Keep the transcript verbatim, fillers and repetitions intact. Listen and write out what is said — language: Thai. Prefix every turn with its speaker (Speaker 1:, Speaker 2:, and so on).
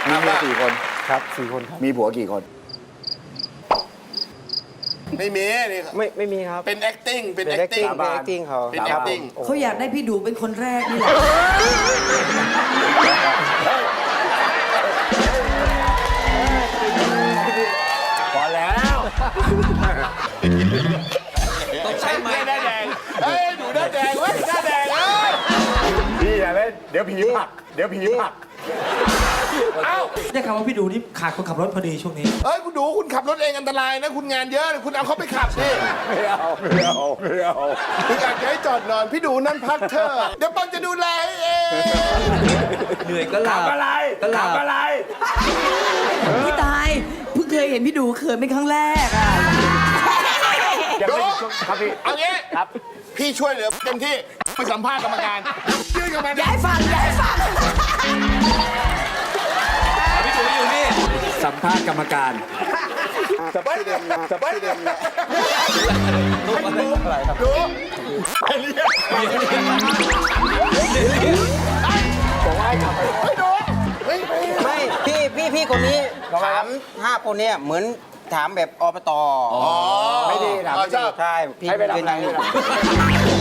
Speaker 1: มีเมียกี่คน
Speaker 2: ครับสี่คนครับ
Speaker 1: มีผัวกี่คน
Speaker 3: ไม่มีนี่
Speaker 2: ไม่ไม่มีครับ
Speaker 3: เป็น acting เป็น
Speaker 2: เป็น
Speaker 3: acting
Speaker 2: acting เป็น acting เขา
Speaker 3: เป็น
Speaker 2: ครับ
Speaker 3: acting
Speaker 2: ผม
Speaker 4: เขาอยากได้พี่ดูเป็นคนแรกนี่แหละ
Speaker 1: พอแล้ว
Speaker 5: ต้องใช้ไม้
Speaker 3: หน้าแดงเฮ้ยหนูหน้าแดงเว้ยหน้าแดงเอ้ย
Speaker 1: พี่อย่าเล่นเดี๋ยวผีผลักเดี๋ยวผีผลัก
Speaker 3: เอ้า
Speaker 5: ได้ข่าวว่าพี่ดูนี่ขาดคนขับรถพอดีช่วงนี้
Speaker 3: เฮ้ยคุณดูคุณขับรถเองอันตรายนะ คุณงานเยอะคุณเอาเขาไปขับดิ
Speaker 1: ไม่เอาไม่เอาไม่เอา
Speaker 3: คุณอยากจะให้จอดนอนพี่ดูนั่นพักเธอะเดี๋ยวปังจะดูแลให้เอง
Speaker 5: เหนื่อยก็หลั
Speaker 1: ขั
Speaker 5: บบ
Speaker 1: อะไร
Speaker 5: ก็หลั
Speaker 1: ขั
Speaker 5: บบ
Speaker 1: อะไร
Speaker 4: พี่ตายเพิ่งเคยเห็นพี่ดูเขินเป็นครั้งแรกอ่ะ
Speaker 1: ยัง
Speaker 3: ดู
Speaker 1: ไม่ครับพี่
Speaker 3: เอางี้
Speaker 1: ครับ
Speaker 3: พี่ช่วยเหลือเต็มที่ไปสัมภาษณ์กรรมการยื่นกรรม
Speaker 4: อย่า
Speaker 3: การ
Speaker 4: ให้ฟังอย่าให้ฟัง
Speaker 5: พี่ดูอยู่นี่
Speaker 1: สัมภาษณ์กรรมการ
Speaker 3: จะไปเดิมจะไปเดิม
Speaker 5: ดูอะไรครับ
Speaker 3: ดูไปเรียก
Speaker 1: บอกว่าให้กลับไป
Speaker 3: ไปดูเฮ้ยไป
Speaker 2: ไม่พี่พี่พี่คนนี้ถามห้าคนเนี่ยเหมือนถามแบบอบต
Speaker 3: อ๋อ
Speaker 1: ไม่ดีนะ
Speaker 3: อ๋อชอบ
Speaker 2: ใช่พี่
Speaker 1: ให้ไปทำ
Speaker 2: เป็น
Speaker 1: อะไร
Speaker 2: อย่างนี้
Speaker 1: ให้ไปทำ